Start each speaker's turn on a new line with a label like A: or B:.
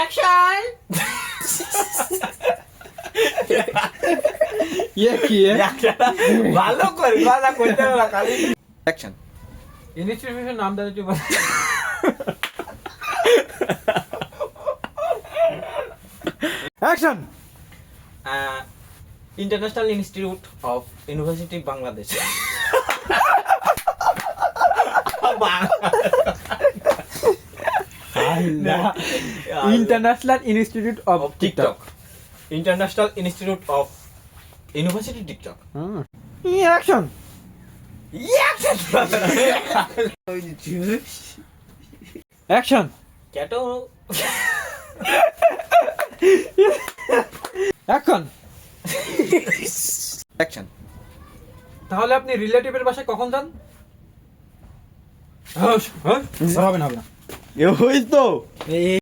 A: action কি
B: ভালো করে কথা কইতে হবে না খালি
A: অ্যাকশন
B: ইনস্টিটিউশন নাম দাও তুই বল
A: action
B: international institute of university Bangladesh
A: international institute of
B: TikTok international institute of university TikTok
A: action action
B: ক্যাটো
A: অ্যাকশন অ্যাকশন
B: তাহলে আপনি রিলেটিভের বাসায় কখন যান
A: হবে না ওই তো